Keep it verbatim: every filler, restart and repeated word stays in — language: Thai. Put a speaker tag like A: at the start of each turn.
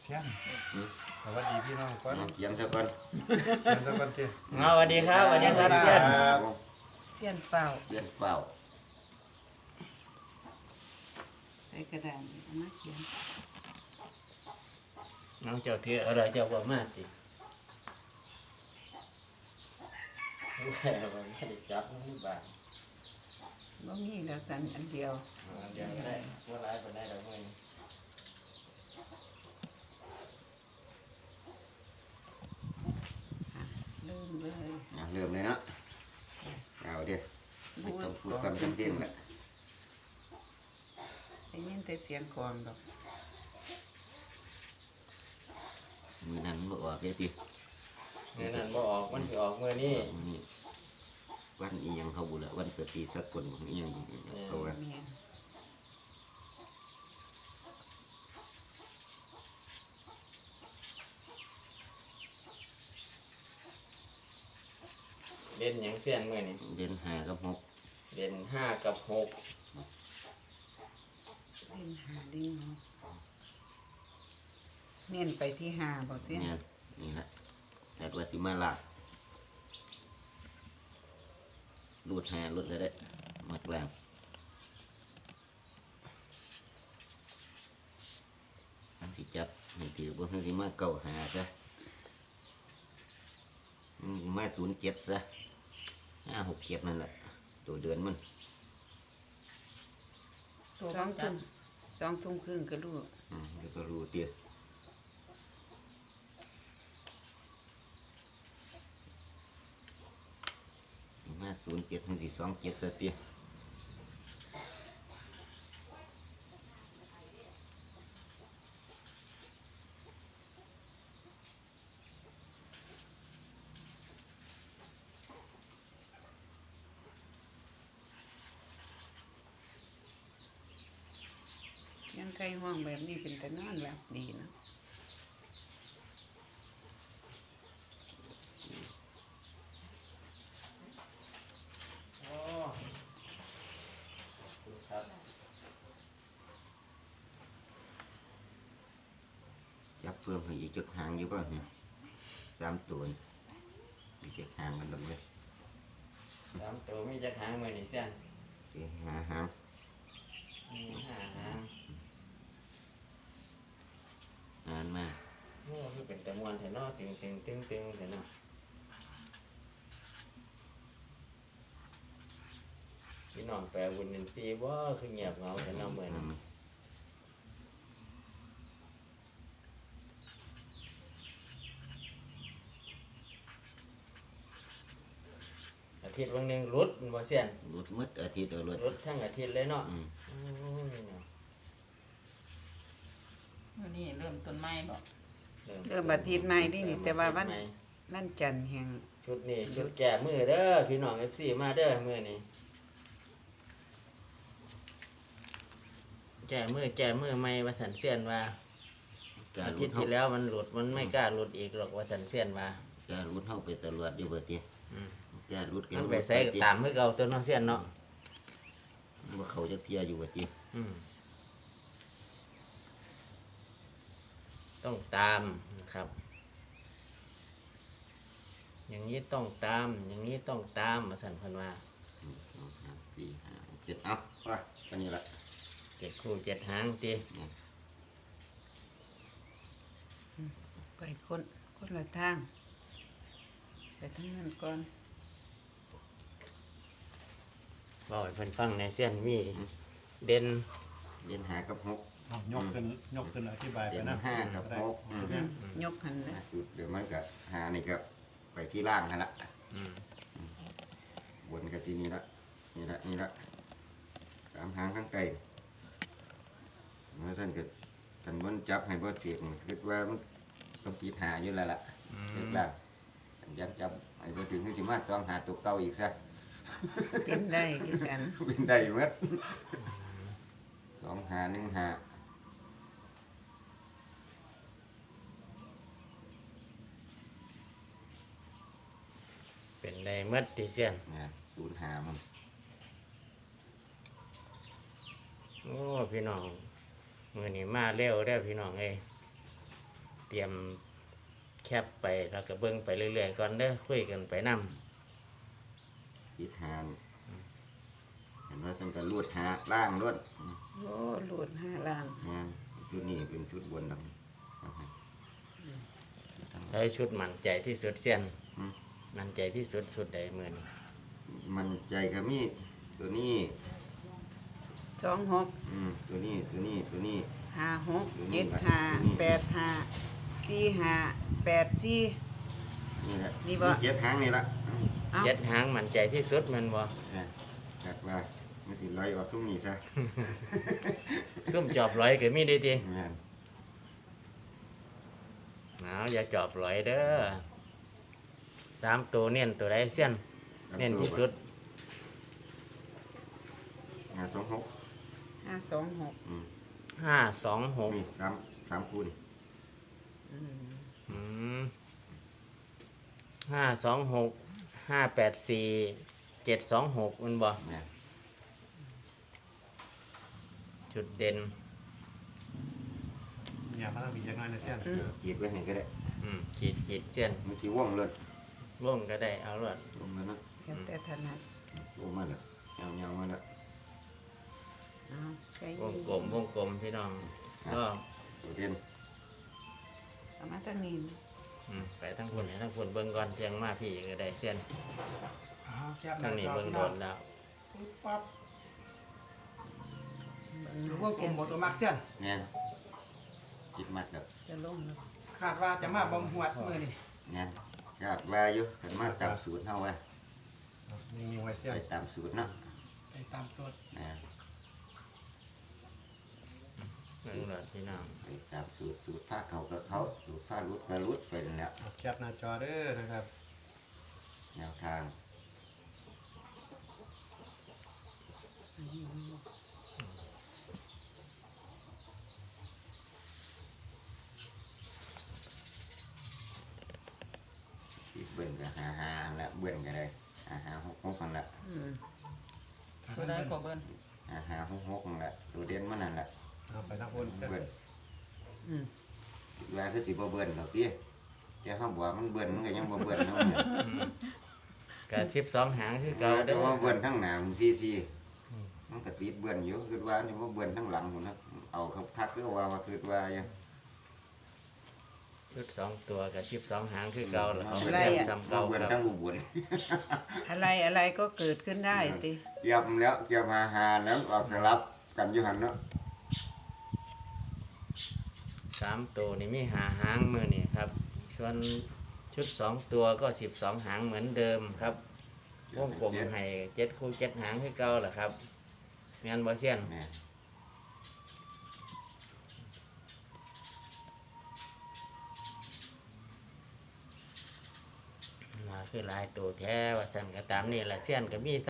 A: เชียงสวัสดีพี่น้องก่อน
B: เขียนซะก่อน
A: เชียงตะกันเจ้
C: เอาสวัสดีครับสวัสดีครับเซียน
D: เสี้ยนเปล่า
B: เขียนเปล่า
D: ใส่กระดาษเอามาเขียน
C: น้องเจ้าเถืออะไรเจ้าบอกมาสิแค่ว่าไม่ได้จับมันนี่บาท
D: บ่มีแล้วจันอันเดียว
C: เอาเดี๋ยวก็ได้ว่าร้ายคนได้ดอกเงิน
D: เริ่มเลย
B: อ่ะเริ่มเลยเนาะเอาเดี๋ยวไม่ต้องพูดกันจำเจนละ
D: ได้ยินแต่เสียงกลองดอก
B: มือนั้นบ่ออกเลยติ
C: เงินนั้นบ่ออกมันสิออกเมื่อนี้
B: มื้อนี้วันอีหยังเขาบุละวันสติสกลของอีหยังเขาว่า
D: แม่น
C: เด่นหยังเซียนเมื่อนี้
B: เดือนห้ากับหก
C: เด่นห้ากับหก
D: เล่นหาดิ้งเนาะเน้นไปที่หาบ่เสี้ยน
B: เนี่ยนี่ละแต่ว่าสิมาลากรูดหารูดก็ได้มากลางอันที่จับนี่ถือว่าคือสิมาเก่าหาซะอืมมาศูนย์เจ็ดซะห้าหกเจ็ดนั่นแหละตัวเดือนมัน
D: สองทุ่มสองทุ่มครึ่งก็รู้
B: อืมเดี๋ยวก็รู้เตี้ยมาศูนย์เจ็ดหนึ่งสี่สองเจ็ดซะเตี้ย
D: เสียงไก่ห้องแบบนี้เป็นแต่นอนหลับดีเนาะ
C: โอ้ครับ
B: จับเพิ่มให้อีกจุดหางอยู่ป่ะเนี่ยสามตัวนี่อีกจุดหางกันลงเลย
C: สามตัวมีจักหางเมื่อนี้เซียน
B: โอเคหาหาง
C: มีห้าหาง
B: นานมาก
C: โอ้คือเป็นตะมวนแถวเนาะตึงตึงตึงตึงแถวเนาะพี่น้องแปลวุ้นหนึ่งซีว่าคือเงียบเหงาแถวเนาะเหมือน
B: นั่นไหม
C: อาทิตย์วันหนึ่งรุดบ่เซียน
B: รุดมืดอาทิตย์เอารุด
C: รุดทั้งอาทิตย์เลยเนาะ
B: อืม
C: โอ้ยเนาะ
E: วันนี้เริ่มต้นไม้บอก
D: เริ่มอาทิตย์ใหม่นี่นี่แต่ว่าวัน
C: เริ่มอาทิตย์ใหม่
D: วันจันทร์แห่ง
C: ชุดนี้ชุดแก่มือเด้อพี่น้อง เอฟ ซี มาเด้อมือนี้แก่มือแก่มือไม่ว่าสันเซียนว่า
B: กล้า
C: อา
B: รุ
C: ทิต
B: ด
C: ย์
B: เท่า
C: ที่แล้วมันหลุดมันไม่กล้าหลุดอีกหรอกว่าสันเซียนว่า
B: กล้ารุดเท่าไปตลอดอยู่เบิดเตี้ย
C: อืม
B: กล้ารุด
C: มันไปใส่ตามเพื่อเอาตัวน้องเซียนเนาะ
B: ว่าเขาจะเทียอยู่เบิดเตี้ย
C: อืมต้องตามนะครับ อย่างนี้ต้องตาม อย่างนี้ต้องตามมาสันพันว่า
B: หนึ่งสองสามสี่ห้าหกเจ็ดเอาว่าอันนี้ละ
C: เจ็ดคู่เจ็ดหางตี
B: เนี่ย
D: ไปคนคนละทาง ไปทางนั้นก่อน
C: บอกให้เพิ่นฟังในเซียนมีเด่น
B: เล่นหากับหก
A: เอายกขึ้นยกขึ้นอธิบายไป
B: เด่น
A: นะ
B: ห้ากับหกอืม
D: ยกหันนะ
B: จุดเดี๋ยวมันก็หานี่ก็ไปที่ล่างนั่นละ
C: อืม
B: บนกับที่นี่ละนี่ละนี่ละสามหางข้างไกลเมื่อท่านเกิดท่านมันจับให้บ่เตียงคิดว่ามันต้องปีดหาอยู่แล้วล่ะเสร็จแล้วท่านยังจับให้บ่ถึงที่สิมาสองหาตัวเก่าอีกซะ
D: เป็นได้คือกัน
B: เป็นได้หมดสองหาหนึ่งหา
C: เป็นในเมื่อตีเซียน
B: เนี่ยศูนย์หามัน
C: โอ้พี่น้องมือนี้มาเร็วได้อพี่น้องเอ้ยเตรียมแคปไปแล้วก็เบิ่งไปเรื่อยๆก่อนเด้อคุยกันไปนำ
B: ติดหางเห็นว่าฉันก็ลวดหาล่างลวด
D: โอ้หลุดห้าล้าน
B: งานชุดนี้เป็นชุดบนดำ
C: ได้ชุดมั่นใจที่สุดเสียน
B: อืม
C: มั่นใจที่สุดชุดใดมื้อนี้
B: มันใจก็มีตัวนี้
D: สองหก
B: อืมตัวนี้ตัวนี้ตัวนี้
D: ห้าหกเจ็ดห้าแปดห้าสี่ห้าแปดสี่
B: นี่แหละ
D: นี่บ่
B: เจ็ดหางนี่ละอืม
D: เอา
C: เจ็ดหางมั่นใจที่สุดแม่นบ่
B: อ่ะจัดว่ามันสิลอยออกชุ่มนี้ซะ
C: ซุ่มจอบร้อยก็มีได้ติ
B: งาน
C: เอาอย่าจอบร้อยเด้อสามตัวเน้นตัวใดเสียนเน้นที่สุด
B: งานสองหก
D: ห้าสองหก
B: อืม
C: ห้าสองหก
B: นี่สามสามคูณ
D: อืม
C: อืมห้าสองหกห้าแปดสี่เจ็ดสองหกมันบ่
B: งาน
C: จุดเด่น
A: เนี่ยพระบิดยังไงนะเสี้ยน
B: ขีดไว้ให้ก็ได้
C: อืมขีดขีดเสี้ยน
B: มันสิว่องเลย
C: ร่วมก็ได้เอารวด
B: ลงมาเนาะ
D: แล้วแต่ถนัด
B: ลงมาแล้วเงาเงาๆมาแล้ว
D: เอาใจ
C: ว
D: เย็
C: ง
D: น
C: กลมวงกลมพี่น้องก็
B: ตัวเด่น
D: เอามาตั้งนี้
C: อืมไปทั้งคนให้ทั้งคนเบิ่งก่อนเพียงมาพี่ก็ได้เสี้ยน
F: เอาแคบห
C: ทั้
F: น้าง
C: นี้
F: จอ
C: เบิ่ง
F: พี่
C: โด
F: น้อง
C: นแล้ว
F: ปึ๊บปั๊บหรือว่ากลมหมดตัวมักเส้น
B: งานคิดมากแล้ว
D: จะลงแล้ว
F: คาดว่าจะมาบำหวดมือนี่
B: งานคาดว่าอยู่กันมาตามสูตรเฮาว่า
A: นิ่งๆไว้เสี้ย
B: ไป
A: น
B: ตามสูตรเนาะ
F: ไปตามสด
B: นะ
C: เบิ่งโดนพี่น้อง
B: ไปตามสูตรสูตรผ้าเขาก็เขาสูตรผ้ารุดก็รุดไปนั่นแหละ
A: เอาแคปหน้าจอเด้อนะครับ
B: แนวทางที่เบิ่นก็หาหาอันละเบิ่นก็ได้หาหาหกหกอันละ
D: อืม
E: ตัวใดก็เบิ่น
B: หาหาหกหกอันละตัวเด่นมันนั่นแหละ
A: เอาไปทั้งคนเสี้ยน
B: เบิ่น
D: อืม
B: คิดว่าคือสิบ่เบิ่นดอกพี่แต่เขาบอกมันเบิ่นมันก็ยังบ่เบิ่นเนาะ
C: ก็สิบสองหางคือเก่า
B: แต่
C: เด้อ
B: ว่าเบิ่นทั้งหน้ามันซีซีมันก็ติดเบิ่นอยู่คิดว่าจะบ่เบิ่นทั้งหลังพุ่นนะเอาคักๆคือว่าว่าคิดว่าอยู่
C: ชุดสองตัวกับสิบสองหางคือเก่าแล้วเขาเสียบซ้ำเก่า
B: เบิ่น
C: ครับ
B: ทั้งรูปบน
D: อะไรอะไรก็เกิดขึ้นได้ติ
B: เตรียมแล้วเตรียมหาหาแล้วออกสลับกันอยู่หั่นเนาะ
C: สามตัวนี่มีหาหางมือนี่ครับส่วนชุดสองตัวก็สิบสองหางเหมือนเดิมครับวงกลมให้เจ็ดคู่เจ็ดหางคือเก่าแหละครับงานบ่เซียน
B: แม่
C: มาคือหลายตัวแท้ว่าสั่นก็ตามนี่แหละเซียนก็มี